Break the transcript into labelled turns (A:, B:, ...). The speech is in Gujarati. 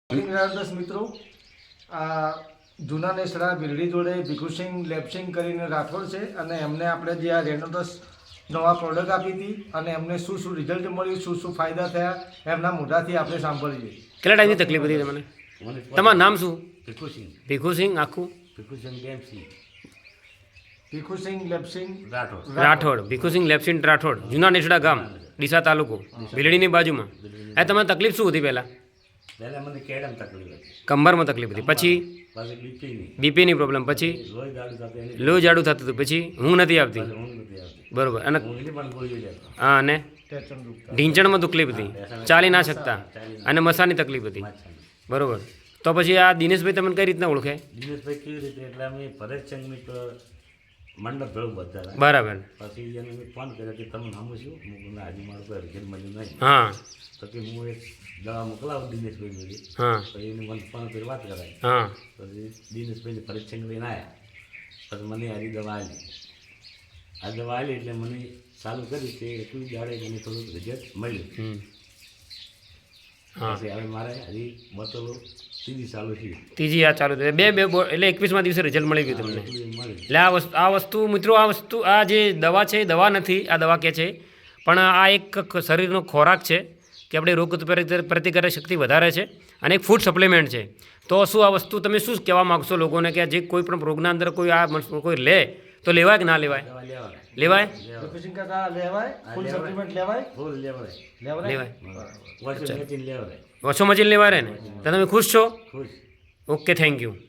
A: દસ મિત્રો આ જૂના નેસડા બિરડી જોડે ભીખુસિંહ લેબસિંગ કરીને રાઠોડ છે અને એમને આપણે જે આ રેનોડસ નવા પ્રોડક્ટ આપી હતી અને એમને શું શું રિઝલ્ટ મળ્યું, શું શું ફાયદા થયા એમના મોઢાથી આપણે સાંભળીએ.
B: કેટલા ટાઈમની તકલીફ હતી તમને? તમારું નામ શું?
C: ભીખુસિંહ.
B: ભીખુસિંહ આખું?
C: ભીખુસિંહ લેબસિંગ
A: ભીખુસિંહ લેબસિંગ
B: રાઠોડ. ભીખુસિંહ લેબસિંગ રાઠોડ, જૂના નેસડા ગામ, ડીસા તાલુકો, બિલડીની બાજુમાં. એ તમને તકલીફ શું હતી પહેલાં?
C: પહેલાં મને કેડમ તકલીફ હતી,
B: કમરમાં તકલીફ હતી, પછી
C: બીપીની
B: બીપીની પ્રોબ્લેમ, પછી
C: લોહી જાડું થતું, એની
B: લોહી જાડું થતું હતું, પછી ઊંઘ નથી આવતી.
C: ઊંઘ નથી આવતી.
B: બરોબર. અને
C: ઊંઘની પણ ગોળીઓ લેતો.
B: હા, અને
A: ટેન્શન દુખતા
B: ઢીંચણમાં તકલીફ હતી, ચાલી ના શકતા, અને મસાની તકલીફ હતી. બરોબર. તો પછી આ દિનેશભાઈ તમને કઈ રીતના ઓળખે?
C: દિનેશભાઈ કેવી રીતે, એટલે અમે ભરતચંદની મંડપ ભેળું બધા હતા.
B: બરાબર.
C: પછી એને મેં ફોન કર્યો કે તમે નામું શું? હું આજે મારું કોઈ રિઝલ્ટ મળ્યું નહીં.
B: હા
C: તો કે હું એક દવા મોકલાવું દિનેશભાઈ જોડે.
B: હા
C: પછી એને મને ફોન કરી વાત કરાવી.
B: હા
C: પછી દિનેશભાઈને ભરતચંદ લઈને આવ્યા. પછી મને આરી દવા આવી. આ દવા આવી એટલે મને ચાલુ કરી કે એટલું દાડે મને થોડુંક રિઝલ્ટ મળ્યું.
B: હા.
C: પછી હવે મારે હજી બોટલો ત્રીજી ચાલુ છે.
B: ત્રીજી આ ચાલુ થઈ. બે એટલે 21મા દિવસે રિઝલ્ટ મળી ગયું તમને.
C: એટલું મળ્યું.
B: એટલે આ વસ્તુ મિત્રો, આ જે દવા છે એ દવા નથી, આ દવા કે છે, પણ આ એક શરીરનો ખોરાક છે કે આપણે રોગ પ્રતિકારક શક્તિ વધારે છે અને એક ફૂડ સપ્લિમેન્ટ છે. તો શું આ વસ્તુ તમે શું કહેવા માગશો લોકોને કે જે કોઈ પણ રોગના અંદર કોઈ લે તો લેવાય કે ના લેવાય?
C: દવા લેવાય.
B: લેવાય.
A: ભીખુસિંહ કાકા લેવાય, ફૂલ સપ્લિમેન્ટ લેવાય,
C: ફૂલ લેવાય.
B: લેવાય.
C: વોશિંગ મશીન લેવાય.
B: ઓછો મચીને લેવાય ને? તો તમે ખુશ છો?
C: ખુશ.
B: Okay, thank you.